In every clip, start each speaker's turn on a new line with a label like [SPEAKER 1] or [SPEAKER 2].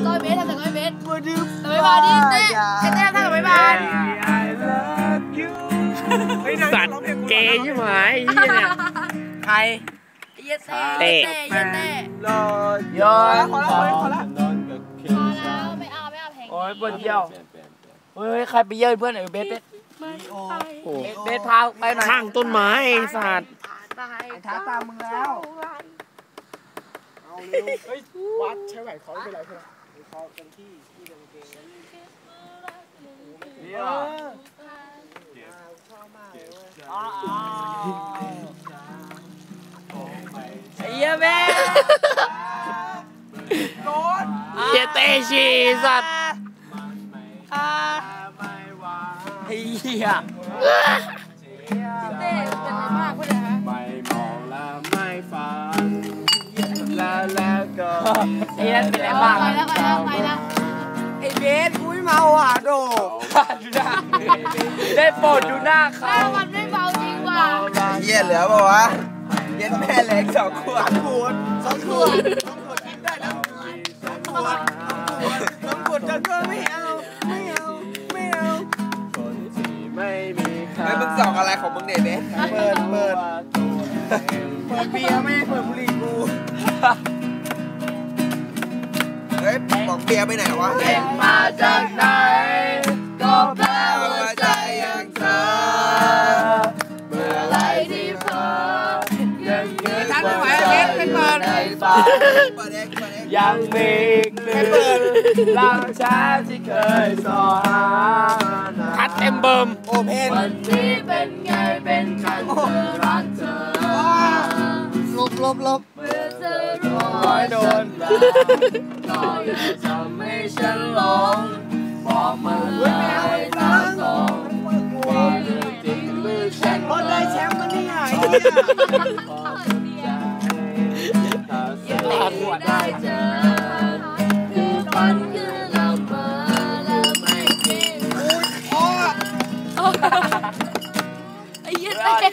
[SPEAKER 1] ก้อยเบสทำแต่ก้อยเบสทำไม่บาดิเต้ไอ้เต้ทำแต่ไม่บาด
[SPEAKER 2] สัตว์เกย์ใช่ไหมเนี่ย
[SPEAKER 1] ใครเต้
[SPEAKER 2] รอยอน
[SPEAKER 1] พอแล้วไม่เอาเพลง
[SPEAKER 2] โอ้ยปวดเยี่ยวเฮ้ยใครไปเยี่ยวเพื่อนเบสเบสพาไปหน่อยข้างต้นไม้สัตว์
[SPEAKER 3] ท้าตามมึงแล้ว
[SPEAKER 4] เฮ้ยวัดใช้ไหวเขาเป็นไรเพื่อนเขาเป็นที่เป็นเกง
[SPEAKER 2] เนี่ยไอ้เหี้ยแม่
[SPEAKER 4] โดน
[SPEAKER 2] เหี้ยเตชีสัตว์ไอ้เหี้ย
[SPEAKER 1] เต้เป็นอะไรมากพูดเลยฮะ
[SPEAKER 4] ไม่มองและไม่ฟังแล้วก็
[SPEAKER 2] ไอ้นั่นเป็นอะไรบ้าง
[SPEAKER 1] ไปแล้ว
[SPEAKER 3] ไอ้เบสกูไม่เมาอ่ะโด
[SPEAKER 2] ดูหน้าได้โปรดดูหน้าเขา
[SPEAKER 1] มันไม่เบาจริงว่ะ
[SPEAKER 3] เยี่ยเหลือป่าววะเย็นแม่เล็ก2 ขวด2 ขวดกินได้แล้ว2 ขวดจนก็ไม่เอา
[SPEAKER 4] คนที่ไม่มีค่า
[SPEAKER 3] ไม่มึงส่องอะไรของมึงเนี่ยเบสเปิดเบียร์ไม่เปิดบุหรี่กูเฮ้ยบอกเบียร์ไปไหนวะ
[SPEAKER 2] เด็กมาจากไหนก็แปลว่าใจอย่างเธอเมื่อไรที่เธอยังนึกว่าใจในฝันยังมีอีกหนึ่งลางช้าที่เคยสอหาคัดเต็มเบิ่ม
[SPEAKER 3] โอเพน
[SPEAKER 2] วันนี้เป็นไงเป็นกันเธอรักเธอ
[SPEAKER 3] ลบ
[SPEAKER 2] เมื่อเธอร้อยโดนก็ยังทำให้ฉันหลงบอกมาเลยตามตรงว่าเรื่องจริงหรือฉัน
[SPEAKER 3] พอได้แชมป์มันนี่ไง
[SPEAKER 2] ได้เจอคือฝันคือละเมอแล้วไม่จริง
[SPEAKER 1] ไอ้เหี้ยเต้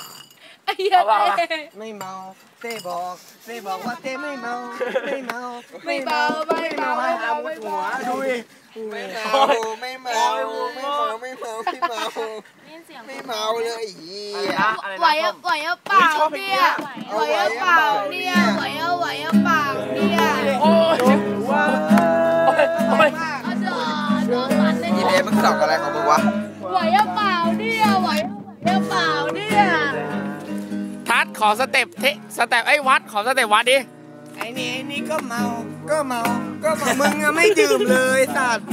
[SPEAKER 3] ไม่เมาเต้บอกว่าเต้ไม่เมา
[SPEAKER 1] ไม่เมา
[SPEAKER 3] ให้อาวุธหัวดูดิไม่เมาเลย
[SPEAKER 1] ไหวอะเปล่าเนี่ยไหวอะเปล่าเนี่ย
[SPEAKER 2] โอ้ย
[SPEAKER 1] โดนมันเลย
[SPEAKER 3] นี่เบสมึงส่องอะไรของมึงวะ
[SPEAKER 1] ไหวอะเปล่าเนี่ย
[SPEAKER 2] ทัดขอสเต็ปไอ้วัดขอสเต็ปวัดดิ
[SPEAKER 3] ไอ้นี่ก็เมามึงอะไม่ดื่มเลยสัตว์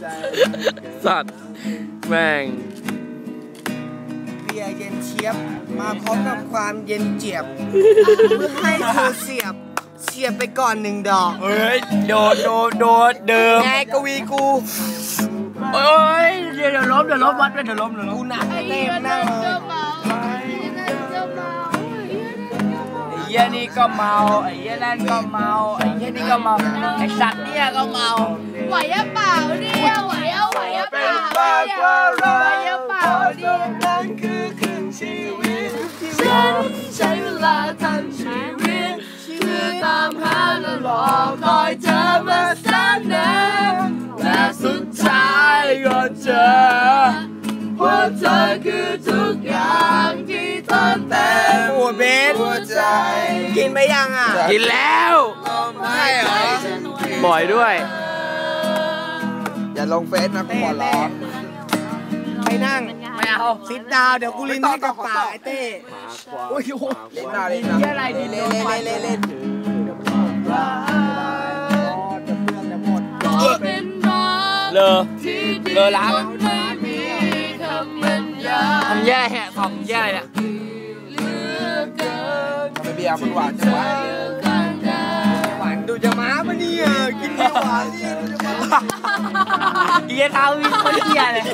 [SPEAKER 2] แม่ง
[SPEAKER 3] เบียร์เย็นเชียบมาพร้อมกับความเย็นเจียบเพื่อให้เธอเสียบไปก่อน1 ดอก
[SPEAKER 2] เฮ้ยโดดเดิม
[SPEAKER 3] แกกวีกู
[SPEAKER 2] โอ้ยเดี๋ยวล้มวัดไปเดี๋ยวล้ม
[SPEAKER 3] กูหนักเต็มนั่งเลย
[SPEAKER 2] ไอ้เหี้ยนี่ก็เมาไอ้เหี้ยนั่นก็เมาไอ้เหี้ยนี่ก็เมาไอ้สัตว์เนี่ยก็เมา
[SPEAKER 1] ไหวอะเปล่าเนี่ยไหวอะเปล่าเนี่ย
[SPEAKER 3] นั่นคือครึ่งชีวิต
[SPEAKER 1] ฉันใช้เวลาทั้งชีวิตเพื่อตามหาและรอคอยเธอมาแสนนานและสุดท้ายก็เจอเพราะเธอคือทุกอย่างที่เติมเต็ม
[SPEAKER 3] หัวเบสหัวใจกินไปยังอ่ะ
[SPEAKER 2] กินแล้ว
[SPEAKER 3] ใช่เหรอ
[SPEAKER 2] บ่อยด้วย
[SPEAKER 3] อย่าลงเฟซนะกูขอร้องไปนั่ง
[SPEAKER 2] ไม่เอา
[SPEAKER 3] ซิดดาวเดี๋ยวกูลิ้นให้กับปากไอ้เต้โอ้ยโหเล่นหน้าเล่น
[SPEAKER 2] อะไรดี
[SPEAKER 3] เล่น
[SPEAKER 2] เลอล้างทำแย่แหะทำแย่เลย
[SPEAKER 3] ทำไมเบียร์มันหวานจังวะหวานดูจะม้าปะเนี่ยกินเบียร์หวานนี่
[SPEAKER 2] เฮียเท้าวิ่งคนเฮียเลย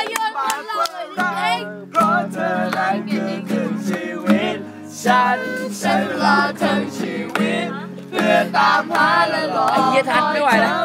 [SPEAKER 3] เพราะเธอนั้นคือชีวิตฉันใช้เวลาทั้งชีวิตเพื่อตามหาและรอ
[SPEAKER 2] ไอ้เฮียทัดไม่ไหวแล้ว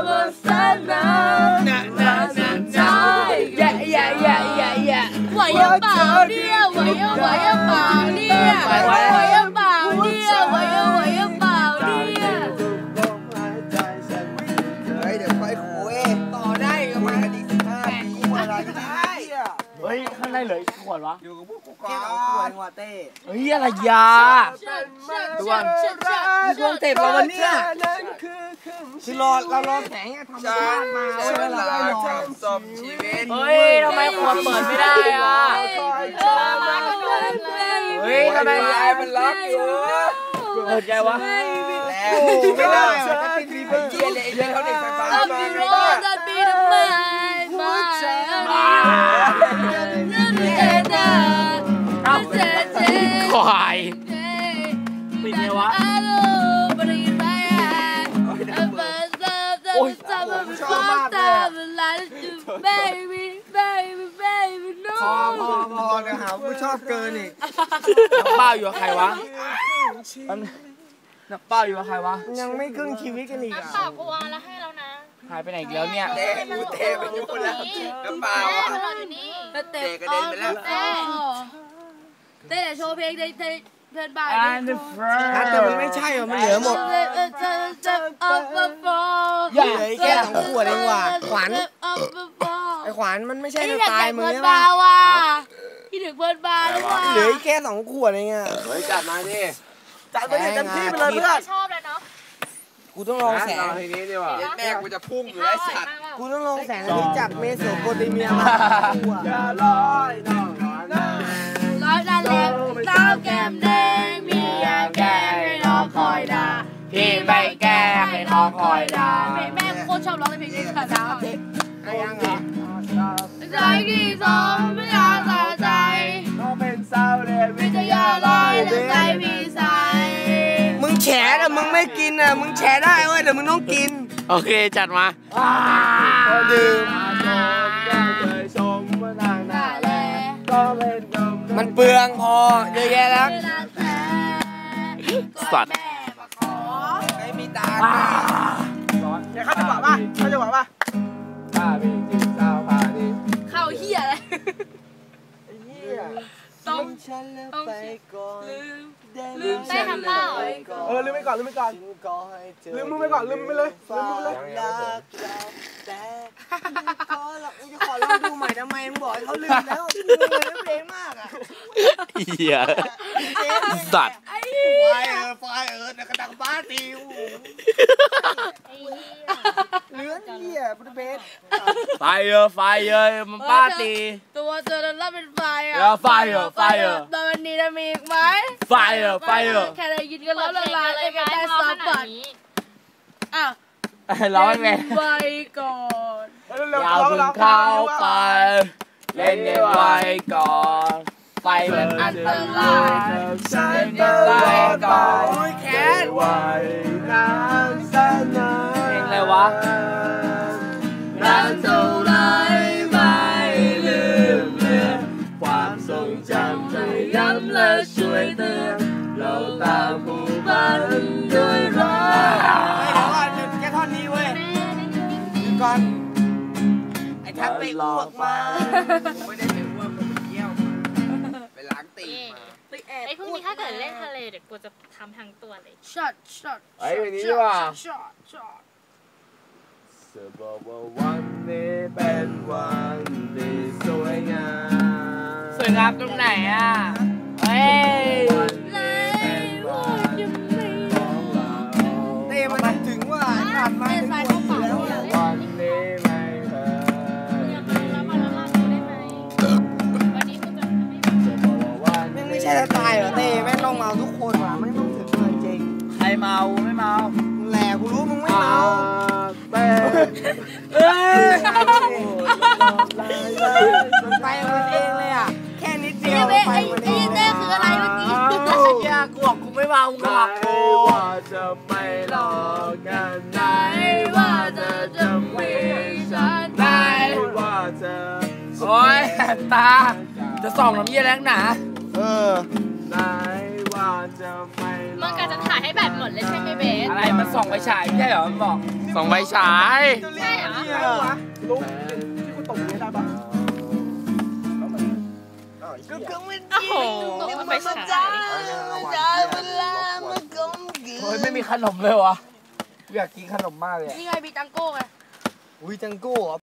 [SPEAKER 1] ไหวอะเปล่าเนี่ยไหวอะเปล่าเนี่ยไหวอะเปล่าเนี่ย
[SPEAKER 3] เดี๋ยวค่อยคุยต่อได้ก็มากันอีก15 ปีอะไรก็ได้
[SPEAKER 1] เฮ้ยข้างในเหลืออีกขวดวะ
[SPEAKER 3] อยู่กับพวกกูก่อน2 ขวดหัวเต้
[SPEAKER 1] เฮ้ยอะไรยาตัวดวงเต็มแล้ววันนี้
[SPEAKER 3] คือเรารอแสงธรรมชาติมาเวลาจบชีวิต
[SPEAKER 1] เฮ้ยทำไมขวดเปิดไม่ได้อ่ะเฮ้ยทำไมไอ้มันล็อกอยู่เปิดไงวะ
[SPEAKER 3] แล้วไม่ได้จะติดรีเฟรชเลยไอ้เขาเด็กไฟฟ้ามาไม่ได้
[SPEAKER 1] ควายปิดไงวะโอ้ย
[SPEAKER 3] ชอบมากเลยพอเดี๋ยวหาผู้ชอบเกินอีก
[SPEAKER 1] นักเป้าอยู่กับใครวะนักเป้าอยู่กับใครวะ
[SPEAKER 3] ยังไม่ครึ่งชีวิตกันอีกอ่ะ
[SPEAKER 2] ต่อกวางแล้วให้แล้วนะ
[SPEAKER 1] หายไปไหนอีกแล้วเนี่ย
[SPEAKER 3] เตะไปอยู่แล้วน้ำเปล่าเตะกระเด็นไปแล้ว
[SPEAKER 2] เต้โชว์เพลงในเพื่อนบ้าน
[SPEAKER 3] แต่มันไม่ใช่หรอมันเหลือหมดเหลือแค่2 ขวดเองว่ะขวัญไอ้ขวัญมันไม่ใช่สไตล์มึงใช่ปะ
[SPEAKER 2] ที่ถึงเพื่อนบ้านว่ะ
[SPEAKER 3] เหลือแค่2 ขวดเองอ่ะ
[SPEAKER 4] เฮ้ยจัดมาดิ
[SPEAKER 3] จัดไปเต็มที่ไปเลยเพื่อน
[SPEAKER 2] ชอบเลยเนาะ
[SPEAKER 3] กูต้องลองแสง
[SPEAKER 4] ทีนี้ดีกว่า
[SPEAKER 3] แม่กูจะพุ่งอยู่ไอ้สัตว์กูต้องลองแสงนี้จากเมโสโปเตเมียมา
[SPEAKER 4] อย่าลอยน้อง
[SPEAKER 2] ร้อยนั่นแหละเต้าแก้มแดงมียาแก้ให้น้องคอยด่า
[SPEAKER 1] พี่ไม่แก้ให้น้องคอยด่า
[SPEAKER 2] แม่โคตรชอบร้องเพลงนี้ค่ะนะ
[SPEAKER 3] อะไรยังเหรอ
[SPEAKER 2] ใจกี่สองไม่อยากใส่ใจ
[SPEAKER 4] น้องเป็นสาวเด็ก
[SPEAKER 2] วิทยาลอยแต่ใจพี่ใส
[SPEAKER 3] มึงแฉแต่มึงไม่กินอ่ะมึงแฉได้เว้ยแต่มึงต้องกิน
[SPEAKER 1] โอเคจัดมา
[SPEAKER 3] ดื่มมันเปลืองพอเยอะแยะแล้ว
[SPEAKER 1] สัตว์
[SPEAKER 3] ไม่มีตาเดี๋ยวเขาจะบอกว่า
[SPEAKER 4] ป้าพี่กินสาวพาดิ
[SPEAKER 2] เข้าเหี้ยอะไร
[SPEAKER 3] ต้องฉันแล้วไปก่อน
[SPEAKER 2] ลืมได้ทำเปล่า
[SPEAKER 3] ลืมไปก่อนลืมไปเลยแต่ขอลองดูใหม่ทำไมมึงบอกให้เขาลืมแล้วลืมเลยเพลงมากอ่ะ
[SPEAKER 1] เหี้ยสัตว์
[SPEAKER 3] ไฟแต่กระดังบ้าตีเลื้อนเหี้ยพุทธเบส
[SPEAKER 1] ไฟมันบ้าตี
[SPEAKER 2] ตัวเธอแล้วเป็นไฟอ่ะ
[SPEAKER 1] ไฟ
[SPEAKER 2] ตอนนี้จะมีอีกไหม
[SPEAKER 1] ไฟ
[SPEAKER 2] แค่ได้ยินก็แล้วละลายกันได้ซับบัตรอ้าว
[SPEAKER 1] ร้องไง
[SPEAKER 2] ไว้ก่อน
[SPEAKER 1] อย่าเพิ่งเข้าไปเล่นไว้ก่อนไฟมันอันตราย
[SPEAKER 3] ฉันเล่นไว้ก่อนแขน
[SPEAKER 4] ไว้นานแสนนาน
[SPEAKER 1] เพลงอะไรวะ
[SPEAKER 2] นานเท่าไรไม่ลืมเลือน
[SPEAKER 1] ความทรงจำจะย้ำและช่วยเตือนเราตามผู้พันด้วยรัก
[SPEAKER 3] แค่ท่อนนี้เว้ยก่อนไอ้ทักไปอ้วกมาไม่ได้ไปอ้วกไปเที่ยวมาไปล้างตีมา
[SPEAKER 2] ไอ้พวกนี้ถ้าเกิดเล่นทะเลเดี๋ยวกูจะทำทั้งตัวเลยช็อต
[SPEAKER 4] ไอ้วันนี้ว่ะเธอบอกว่าวันนี้เป็นวันที่สวยงาม
[SPEAKER 1] ตรงไหนอ่ะเฮ้ย
[SPEAKER 3] เต้มันถึงว่าขาดมาเป็นคนแล้ว
[SPEAKER 4] วันนี้ไม่เค
[SPEAKER 3] ยไม่ใช่ตายเหรอเต้แม่งต้องเมาทุกคนว่ะไม่ต้องถึงเลยจริง
[SPEAKER 1] ใครเมาไม่เมา
[SPEAKER 3] แหละกูรู้มึงไม่เมามันไปมันเองเลยอ่ะแค่นิดเดียวไปมันเอง
[SPEAKER 2] เต้คืออะไรเมื่อกี้
[SPEAKER 1] ยากกูบอกกูไม่เมากูหักโอ้
[SPEAKER 4] ว่าจะไม่หลอกกันไหน
[SPEAKER 2] ว่าจะมีฉันไหน
[SPEAKER 4] ว่าจะ
[SPEAKER 1] โอ๊ยตาจะส่องน้ำเยี่ยแรงหนา
[SPEAKER 4] ไหนว่าจะไม่
[SPEAKER 2] มันกะจะถ่ายให้แบบหมดเลยใช่ไหมเบส
[SPEAKER 1] อะไรมันส่องไฟฉายไม่ใช่เหรอมันบอกส่องไฟฉาย
[SPEAKER 2] ใช่เหรอ
[SPEAKER 3] ลุงที่กูตกนี้ได้ปะก็ไม่ดี
[SPEAKER 2] มันไปฉาย
[SPEAKER 1] เฮ้ยไม่มีขนมเลยวะอยากกินขนมมากเลย
[SPEAKER 2] นี่ไงมีตังโก้ไงอุ้ยจังโก้เหรอ